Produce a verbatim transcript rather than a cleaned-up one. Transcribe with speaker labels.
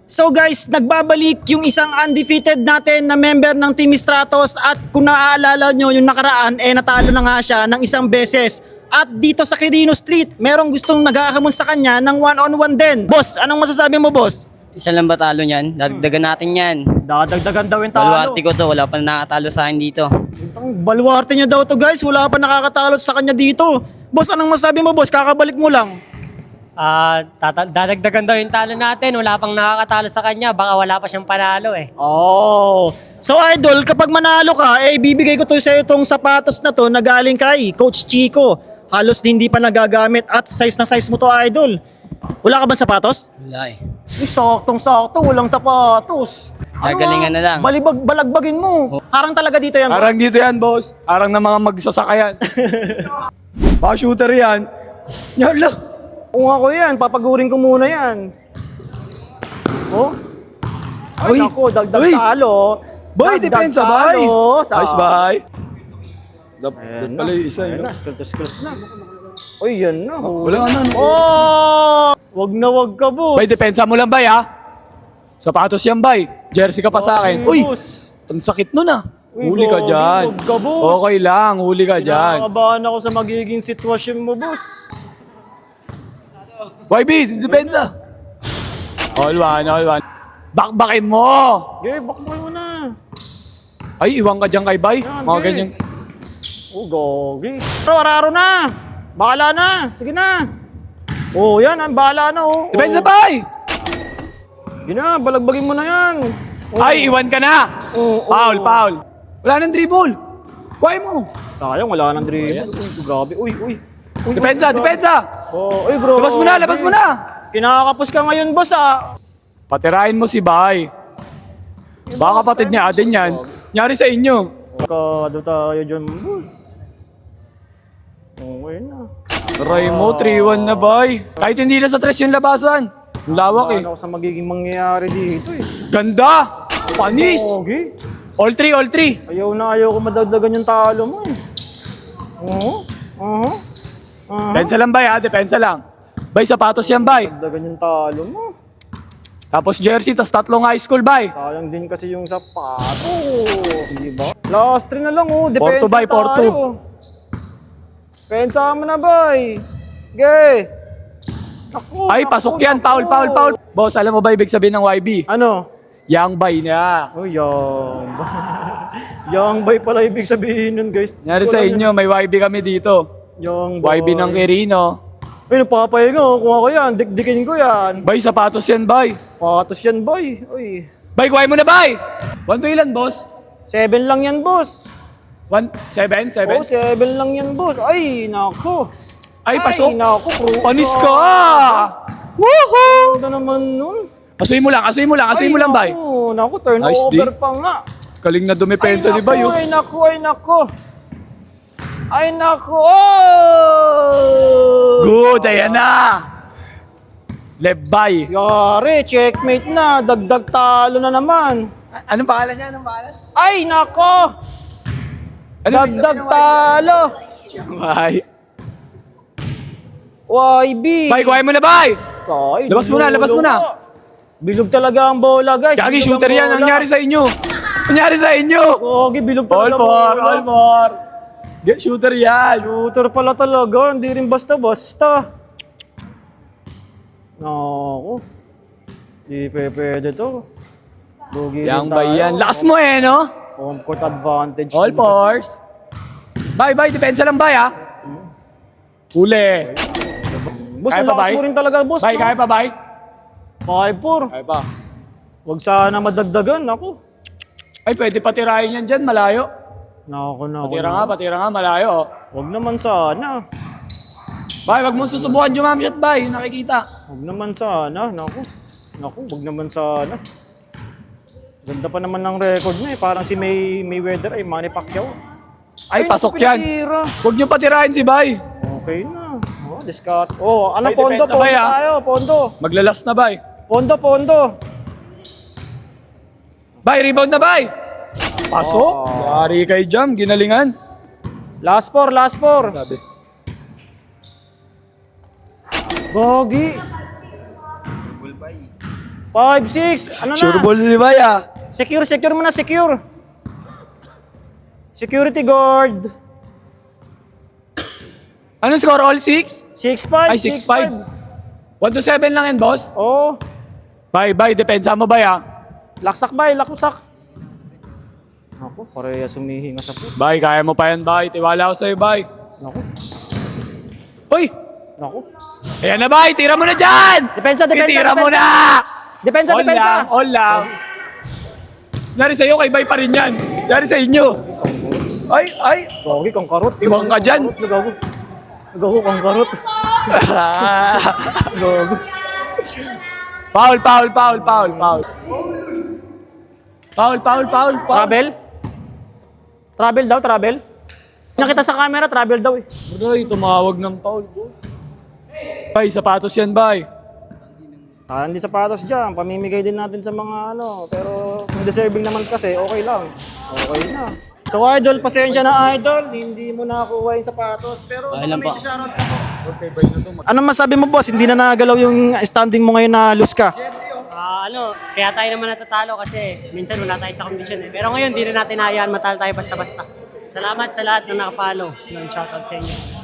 Speaker 1: So guys, nagbabalik yung isang undefeated natin na member ng Team Stratos at kung naaalala nyo yung nakaraan, eh natalo na nga siya ng isang beses. At dito sa Quirino Street, merong gustong naghahamon sa kanya ng one-on-one din. Boss, anong masasabi mo, boss?
Speaker 2: Isa lang ba talo niyan? Dadagdagan natin yan.
Speaker 1: Dadagdagan daw yung talo.
Speaker 2: Baluarte ko to, wala pa nakatalo sa akin dito.
Speaker 1: Ang baluarte niya daw to guys, wala pa nakakatalo sa kanya dito. Boss, anong masasabi mo, boss? Kakabalik mo lang.
Speaker 3: Ah, tata- dadagdagan daw yung talo natin. Wala pang nakakatalo sa kanya. Baka wala pa siyang panalo eh.
Speaker 1: Oh. So idol, kapag manalo ka, eh bibigay ko to sa iyo itong sapatos na to na galing kay Coach Chico. Halos hindi pa nagagamit at size na size mo to, idol. Wala ka ba sapatos?
Speaker 2: Wala eh.
Speaker 1: Eh, saktong-sakto, walang sapatos.
Speaker 2: Gagalingan na lang.
Speaker 1: Balibag, balagbagin mo. Harang talaga dito yan.
Speaker 4: Harang dito yan, boss. Harang ng mga magsasakayan. Baka shooter yan. Yala.
Speaker 1: Kung ako yan, papagurin ko muna yan. Oh? Ay,
Speaker 4: Uy!
Speaker 1: naku, dagdag
Speaker 4: Uy!
Speaker 1: talo.
Speaker 4: Boy,
Speaker 1: Dagdag
Speaker 4: depensa, bay!
Speaker 1: talo. Sa-
Speaker 4: Ayos, bay. Dap,
Speaker 1: Ayan
Speaker 4: dap pala
Speaker 1: na.
Speaker 4: yung isa,
Speaker 1: Ayan
Speaker 4: yun.
Speaker 1: na, skills-skills na. Uy, yan na.
Speaker 4: Wala ano.
Speaker 1: Oh! Wag na wag ka, boss.
Speaker 4: Bay, depensa mo lang, bay, ha? Sapatos yan, bay. Jersey ka pa sa akin. Uy!
Speaker 1: Boss.
Speaker 4: Ang sakit nun, ah.
Speaker 1: Uy,
Speaker 4: Huli ka
Speaker 1: Bobby,
Speaker 4: dyan.
Speaker 1: wag ka, boss.
Speaker 4: Okay lang, huli ka dyan.
Speaker 1: Kinakabahan ako sa magiging sitwasyon mo, boss.
Speaker 4: Y B, depensa. All one, all one. Bakbakin mo!
Speaker 1: Okay, bakboy mo na.
Speaker 4: Ay, iwan ka dyan kay bay.
Speaker 1: Yan,
Speaker 4: Mga
Speaker 1: bay.
Speaker 4: ganyan.
Speaker 1: Oh, gogi. Pero araro na. Bahala na. Sige na. Oh, yan. Ang bahala na, oh.
Speaker 4: Depensa,
Speaker 1: Oh.
Speaker 4: bay!
Speaker 1: Sige na, balagbagin mo na yan. Oh.
Speaker 4: Ay, iwan ka na!
Speaker 1: Oh, oh.
Speaker 4: Foul, foul. Wala nang dribble. Kuhay mo.
Speaker 1: Sayang, wala nang dribble. Uy, grabe. Uy, uy. Uy,
Speaker 4: Depensa,
Speaker 1: uy, grabe.
Speaker 4: depensa!
Speaker 1: Oh, uy, bro.
Speaker 4: Labas mo na, labas mo na!
Speaker 1: Kinakapos ka ngayon, boss, ah.
Speaker 4: Patirahin mo si Bay. Baka kapatid niya din yan. Nyari sa inyo.
Speaker 1: Kado tayo dyan, boss. Okay na.
Speaker 4: Try mo, three one na, Bay. Kahit hindi na sa tres yung labasan. Ang lawak eh.
Speaker 1: Ano ako sa magiging mangyayari dito, eh.
Speaker 4: Ganda! Panis!
Speaker 1: Okay.
Speaker 4: All three, all three.
Speaker 1: Ayaw na ayaw ko madagdagan yung talo mo, eh. Oo. Oo. Oo.
Speaker 4: Depensa lang, Bay, ha? Depensa lang. Bay, sapatos yan, Bay.
Speaker 1: Dagdagan yung talo mo.
Speaker 4: Tapos jersey, tas tatlong high school, Bay.
Speaker 1: Sayang din kasi yung sapatos. Di ba? Last three na lang, oh. Depensa
Speaker 4: Porto, bay,
Speaker 1: tayo.
Speaker 4: Porto.
Speaker 1: Depensa mo na, bay. Ge. Naku,
Speaker 4: Ay,
Speaker 1: naku,
Speaker 4: pasok yan.
Speaker 1: naku.
Speaker 4: Foul, foul, foul. Boss, alam mo ba ibig sabihin ng Y B?
Speaker 1: Ano?
Speaker 4: Yang Bay niya.
Speaker 1: Oh, yang bay. Yang bay pala ibig sabihin nun, guys.
Speaker 4: Nyari sa inyo, may Y B kami dito.
Speaker 1: Yang
Speaker 4: Y B ng Quirino.
Speaker 1: Ay, napapahinga, oh. Kung ako yan, dikdikin ko yan.
Speaker 4: Bay, sapatos yan, Bay.
Speaker 1: Patos yan, bay. Uy.
Speaker 4: Bay, kuhay mo na, Bay! One to ilan, boss?
Speaker 1: Seven lang yan, boss.
Speaker 4: One, seven,
Speaker 1: Oh,
Speaker 4: seven?
Speaker 1: seven lang yan, boss. Ay, nako.
Speaker 4: Ay, pasok.
Speaker 1: Ay, nako. Kruta.
Speaker 4: Panis ka! Woohoo!
Speaker 1: Ganda naman nun.
Speaker 4: Asuhin mo lang, asuhin mo lang, asuhin mo lang, Bay.
Speaker 1: Naku, naku, turnover
Speaker 4: Nice, di.
Speaker 1: pa nga.
Speaker 4: Kaling na dumepensa ni Bay, oh.
Speaker 1: Ay, naku, ay, naku. Ay, naku. Oh!
Speaker 4: Good, ayan na! Left Bay.
Speaker 1: Yari, checkmate na. Dagdag talo na naman.
Speaker 4: Anong pangalan niya? Anong pangalan?
Speaker 1: Ay, nako.
Speaker 4: Ano
Speaker 1: Dagdag talo.
Speaker 4: Bay.
Speaker 1: Y B.
Speaker 4: Bay, kuhay mo na, Bay!
Speaker 1: Say,
Speaker 4: Labas mo na, labas mo na.
Speaker 1: Bilog talaga ang bola, guys.
Speaker 4: Jackie,
Speaker 1: Bilog
Speaker 4: shooter
Speaker 1: ang
Speaker 4: yan.
Speaker 1: bola.
Speaker 4: Ang nangyari sa inyo? Ang nangyari sa inyo?
Speaker 1: Gogi, bilog
Speaker 4: All
Speaker 1: talaga
Speaker 4: for,
Speaker 1: bola.
Speaker 4: all for. Get shooter yan.
Speaker 1: Shooter pala talaga, hindi rin basta-basta. Naku. Di pe- pwede to. Lugi
Speaker 4: Yang
Speaker 1: rin
Speaker 4: Bay
Speaker 1: tayo.
Speaker 4: yan. Lakas mo eh, no?
Speaker 1: Home court advantage.
Speaker 4: All
Speaker 1: din
Speaker 4: fours. Bay, Bay. Depensa lang, Bay, ha? Uli.
Speaker 1: kasi. Boss,
Speaker 4: Kaya
Speaker 1: ang
Speaker 4: pa,
Speaker 1: lakas
Speaker 4: Bay?
Speaker 1: mo rin talaga, boss.
Speaker 4: Bay,
Speaker 1: no?
Speaker 4: kaya pa, Bay?
Speaker 1: five four.
Speaker 4: Kaya pa.
Speaker 1: Huwag sana madagdagan, ako.
Speaker 4: Ay, pwede patirahin yan dyan, malayo.
Speaker 1: Naku, naku.
Speaker 4: Patira nga, patira nga, malayo, oh.
Speaker 1: Huwag naman sana.
Speaker 4: Bay, wag mo susubukan jumamshot, Bay. Yung nakikita.
Speaker 1: Huwag naman sana. Naku. Naku, huwag naman sana. Ganda pa naman ng record niya eh. Parang si May Mayweather ay Manny Pacquiao.
Speaker 4: Ay, pasok yan.
Speaker 1: pinatira.
Speaker 4: Huwag niyo patirahin si Bay.
Speaker 1: Okay na. Oh, discard. Oh, ano
Speaker 4: May
Speaker 1: pondo,
Speaker 4: depensa
Speaker 1: pondo
Speaker 4: ba, ah?
Speaker 1: tayo, pondo.
Speaker 4: Maglalas na, Bay.
Speaker 1: Pondo, pondo.
Speaker 4: Bay, rebound na, Bay. Pasok. Yari kay Jam, ginalingan.
Speaker 1: Last four, last four.
Speaker 4: Sabi.
Speaker 1: Gogi. five, six. Ano na?
Speaker 4: Sure ball si Bay ah.
Speaker 1: Secure, secure mo na, secure. Security guard.
Speaker 4: Ano score? All six?
Speaker 1: six five.
Speaker 4: Ay, six five. one to seven lang yan, boss.
Speaker 1: Oh,
Speaker 4: Bay, Bay, depensa mo, Bay ah.
Speaker 1: laksak bay, laksak. Ako, pareha sumihinga sa puto.
Speaker 4: Bay, kaya mo pa yan, Bay. Tiwala ako sa'yo, Bay.
Speaker 1: Naku,
Speaker 4: Uy!
Speaker 1: naku.
Speaker 4: Ayan na, Bay. Tira mo na dyan!
Speaker 1: Depensa, depensa,
Speaker 4: Itira mo
Speaker 1: depensa.
Speaker 4: na!
Speaker 1: Depensa,
Speaker 4: All
Speaker 1: depensa.
Speaker 4: lang, all lang. Nari sa'yo, kay Bay pa rin yan. Nari sa inyo. Ay, ay.
Speaker 1: Gogi kang karot.
Speaker 4: Iwang ka dyan.
Speaker 1: Nagago. Nagago kang karot. Gogo.
Speaker 4: Foul, foul, foul, foul, foul. Foul, foul, foul, foul.
Speaker 1: Travel? Travel daw, travel? Nakita sa camera, travel daw eh.
Speaker 4: Bay, tumawag ng foul, boss. Bay, sapatos yan, Bay.
Speaker 1: Ah, hindi sapatos dyan. Pamimigay din natin sa mga ano. Pero kung deserving naman kasi, okay lang. Okay na. So idol, pasensya na idol. Hindi mo nakakuha yung sapatos. Pero
Speaker 2: Okay
Speaker 1: baka
Speaker 2: lang
Speaker 1: may
Speaker 2: po.
Speaker 1: shoutout ka po. Anong masabi mo boss? Hindi na nagalaw yung standing mo ngayon na lose ka.
Speaker 3: Ah, ano, kaya tayo naman natatalo kasi minsan wala tayo sa kondisyon eh. Pero ngayon, di na natin hayaan matalo tayo basta-basta. Salamat sa lahat na nakapalo. Yung shoutout sa inyo.